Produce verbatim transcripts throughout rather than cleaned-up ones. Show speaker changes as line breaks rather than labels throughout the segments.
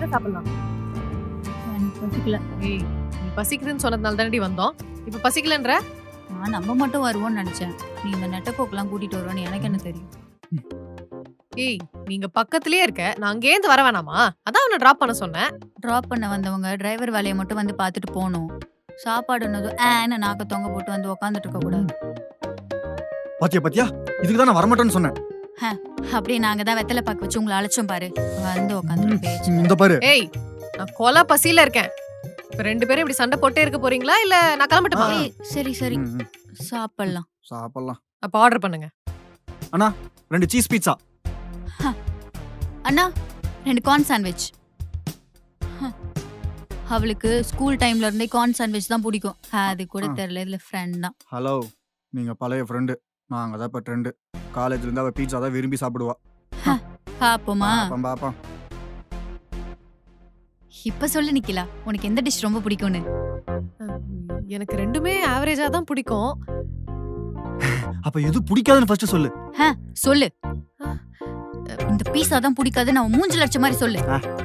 என்ன சாப்பிடலாம்?
எனக்கு பசிக்கல.
ஏய், நீ பசிக்குதுன்னு சொன்னதுனால தானடி வந்தோம். இப்ப பசிக்கலன்ற?
நான் நம்ம மட்டும் வருவோம்னு நினைச்சேன். நீ இந்த நெட்டப்போக்கெல்லாம் கூட்டிட்டு வருவேன்னு எனக்கு என்ன தெரியும்?
ஏய், நீங்க பக்கத்துலயே இருக்க. நான் அங்கே இருந்து வர வேணாமா? அதான் அவனை டிராப் பண்ண சொன்னேன்.
டிராப் பண்ண வந்தவங்க டிரைவர் வேலையை மட்டும் வந்து பார்த்துட்டு போகணும். சாப்பாடுனதும் ஏன்னு நாக்க தொங்க போட்டு வந்து உக்காந்துட்டு இருக்க கூடாது.
பாத்தியா பாத்தியா இதுக்கு தான் நான் வரமாட்டேன்னு சொன்னேன்.
அப்படியே நாங்க தான் வெத்தலை பாக்கு வச்சு உங்களை அழைச்சோம் பாரு. வந்து உக்காந்துட்டு பேச்சு.
இந்த பாரு
ஏய், நான் கொலை பசியில இருக்கேன். இப்ப ரெண்டு பேரும் இப்படி சண்டை போட்டே இருக்க போறீங்களா இல்ல நான் கிளம்பட்டுமா?
ஏய், சரி சரி
ம், ம்.
சாப்பிடலாம்.
சாப்பிடலாம்.
அப்ப ஆர்டர் பண்ணுங்க.
அண்ணா ரெண்டு சீஸ் பீட்சா.
அண்ணா ரெண்டு கார்ன் சாண்ட்விச். அவளுக்கு ஸ்கூல் டைம்ல இருந்தே கார்ன் சாண்ட்விச் தான் பிடிக்கும். அது கூட
ஆ.
தெரியல, இதுல ஃப்ரெண்ட் தான்.
ஹலோ, நீங்க பழைய ஃப்ரெண்டு, நாங்க தான் இப்ப ட்ரெண்டு. காலேஜ்ல இருந்து அவ பீட்சா தான் விரும்பி சாப்பிடுவா.
பாப்போமா?
பாப்போம் பாப்போம்.
இப்ப சொல்லு நிக்கிலா, உனக்கு எந்த டிஷ் ரொம்ப பிடிக்கும்னு?
எனக்கு ரெண்டுமே ஆவரேஜா தான் பிடிக்கும்.
அப்ப எது பிடிக்காதுன்னு ஃபர்ஸ்ட் சொல்லு.
சொல்லு. இந்த பீஸா தான் பிடிக்காது, நான் மூஞ்சில அடிச்ச மாதிரி சொல்லு.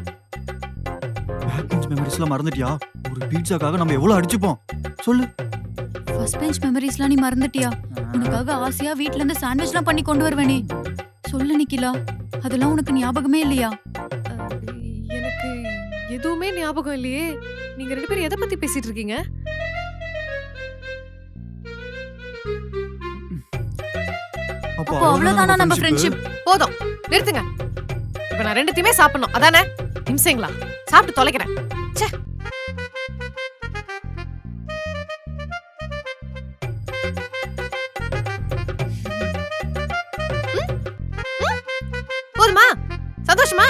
பேக் பெஞ்ச் மெமரிஸ்லாம் மறந்துட்டியா? ஒரு பீட்சாக்காக நம்ம எவ்வளவு அடிச்சுப்போம் சொல்லு.
ஃபர்ஸ்ட் பெஞ்ச் மெமரிஸ்லாம் நீ மறந்துட்டியா? உனக்காக ஆசையா வீட்ல இருந்து சாண்ட்விச்லாம் பண்ணி கொண்டு வருவேனே. சொல்லு நிக்கிலா, அதெல்லாம் உனக்கு ஞாபகமே இல்லையா?
அஹ், எனக்கு எதுவுமே ஞாபகம் இல்லையே. நீங்க ரெண்டு பேரும் எதை பத்தி பேசிட்டு இருக்கீங்க?
அப்போ
அப்போ அவ்வளவுதானா நம்ம ஃப்ரெண்ட்ஷிப்?
போதும், நிறுத்துங்க. இப்ப நான் ரெண்டுத்தையுமே சாப்பிடணும் அதானே? நிமிஷங்களா சாப்பிட்டு தொலைக்கிறேன். ச்சே. ம்? ம்? போதுமா? சந்தோஷமா?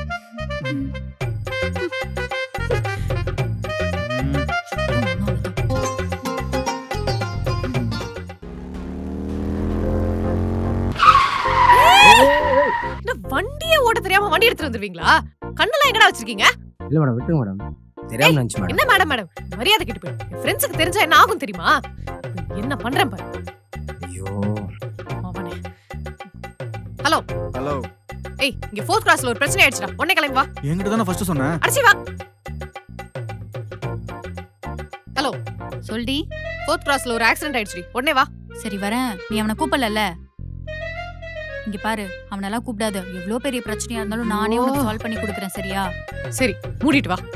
என்ன வண்டியே ஓட்ட தெரியாம வண்டி எடுத்துட்டு வந்துருவீங்களா? கண்ணெல்லாம் எங்கடா வச்சிருக்கீங்க?
இல்ல மேடம், விட்டுருங்க மேடம். தெரியாம நினைச்சு மேடம்.
என்ன மேடம் மேடம் மரியாதை கெட்டு போயிடும். என் ஃப்ரெண்ட்ஸுக்கு தெரிஞ்சா என்ன ஆகும் தெரியுமா? என்ன பண்றேன் பாரு
ஐயோ,
அவனே. ஹலோ
ஹலோ,
ஏய், இங்க ஃபோர்த் கிளாஸ்ல ஒரு பிரச்சனை ஆயிடுச்சுடா. உடனே கிளம்பி வா.
என்கிட்ட தானே ஃபர்ஸ்ட் சொன்னேன்.
அடிச்சி வா. ஹலோ,
சொல்டி.
ஃபோர்த் கிளாஸ்ல ஒரு ஆக்சிடென்ட் ஆயிடுச்சு. உடனே வா.
சரி வரேன். நீ அவனை கூப்பிடல. இங்க பாரு, அவனெல்லாம் கூப்பிடாத. எவ்வளவு பெரிய பிரச்சனையா இருந்தாலும் நானே உனக்கு சால்வ் பண்ணி கொடுக்குறேன், சரியா?
சரி, மூடிட்டு வா.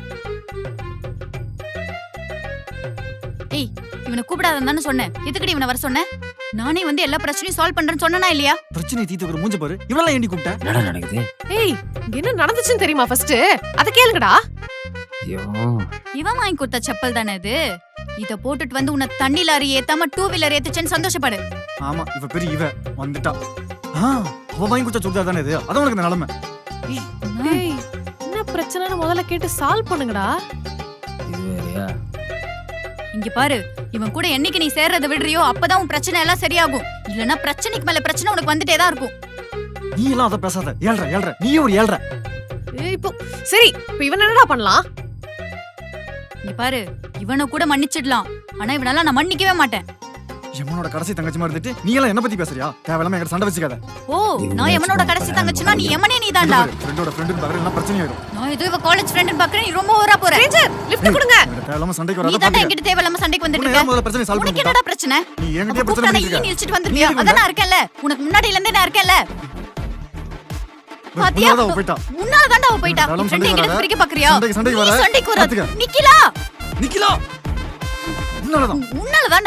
ஏய், இவனை கூப்பிடாதன்னு தானே சொன்னேன். எதுக்குடி இவனை வர சொன்னேன்? நானே வந்து எல்லா பிரச்சனையும் சால்வ் பண்றேன்னு சொன்னனா இல்லையா?
பிரச்சனை தீத்துக்கிற மூஞ்ச பாரு. இவளெல்லாம் ஏண்டி கூப்பிட்ட?
என்னடா நடக்குது?
ஏய், இங்க என்ன நடந்துச்சுன்னு தெரியுமா? ஃபர்ஸ்ட் அத கேளுங்கடா.
ஐயோ,
இவன் வாங்கி கொடுத்த செப்பல் தானே இது. இத போட்டுட்டு வந்து உன்னை தண்ணி லாரி ஏத்தாம டூ வீலர் ஏத்துச்சேன்னு சந்தோஷப்படு.
ஆமா, இவ பெரிய இவ வந்துட்டா. ஆ, அவ வாங்கி கொடுத்த சுடிதார் தானே இது. அதான் உனக்கு இந்த நிலைமை.
ஏய், என்ன பிரச்சனைன்னு முதல்ல கேட்டு சால்வ் பண்ணுங்கடா.
இது வேறயா?
இங்க பாரு, இவன் கூட என்னைக்கு நீ சேர்றத விடுறியோ அப்பதான் உன் பிரச்சனை எல்லாம் சரியாகும். இல்லனா பிரச்சனைக்கு மேல பிரச்சனை உனக்கு வந்துட்டே தான் இருக்கும்.
நீ எல்லாம் அத பேசாத. ஏழ்ற ஏழ்ற நீ ஒரு ஏழ்ற.
ஏய், இப்போ சரி, இப்போ இவன் என்னடா பண்ணலாம்?
இங்க பாரு, இவனை கூட மன்னிச்சிடலாம். ஆனா இவனால நான் மன்னிக்கவே மாட்டேன்.
எமனோட கடைசி தங்கச்சி மாதிரி இருந்துட்டு நீ எல்லாம் என்ன பத்தி பேசுறியா? தேவையில்லாம என்கிட்ட சண்டை வச்சுக்காத.
ஓ, நான் எவனோட கடைசி தங்கச்சினா நீ எமனே நீதான்டா.
ஃப்ரெண்டோட ஃப்ரெண்டுன்னு பாக்குற எல்லாம் பிரச்சனை ஆயிடும்.
நான் ஏதோ இவ காலேஜ் ஃப்ரெண்ட்னு பாக்குறேன். நீ ரொம்ப ஓவரா போற.
ரேஞ்சர், லிஃப்ட் கொடுங்க.
என்கிட்ட தேவையில்லாம சண்டைக்கு
நீ
வராத
தான்
பாத்துக்க.
என்கிட்ட தேவையில்லாம சண்டைக்கு வந்துட்டு
உன்னை
இருக்க.
ஏன் முதல்ல பிரச்சனை சால்வ்
உனக்கு
பண்ணிட்ட?
என்னடா பிரச்சனை?
நீ என்கிட்டயே
அப்ப
பிரச்சனை
கூப்பிட்டா
பண்ணிட்டு
ஈ
இருக்க.
நில்ச்சிட்டு வந்திருப்பியா? அதான் நான் இருக்கேன்ல. உனக்கு முன்னாடில இருந்தே நான் இருக்கேன்ல. பாத்தியா?
உன்னால அவ போயிட்டா.
உன்னால தான்டா அவ போயிட்டா.
தேவையில்லாம
ஃப்ரெண்ட்
சண்டைக்கு
என்கிட்ட
வராத.
பிரிக்க பாக்குறியா?
சண்டைக்கு சண்டைக்கு
நீ
வர.
சண்டைக்கு வராத.
பாத்துக்க.
நிக்கிலா,
நிக்கிலா. உன்னாலதான்.
உன்னால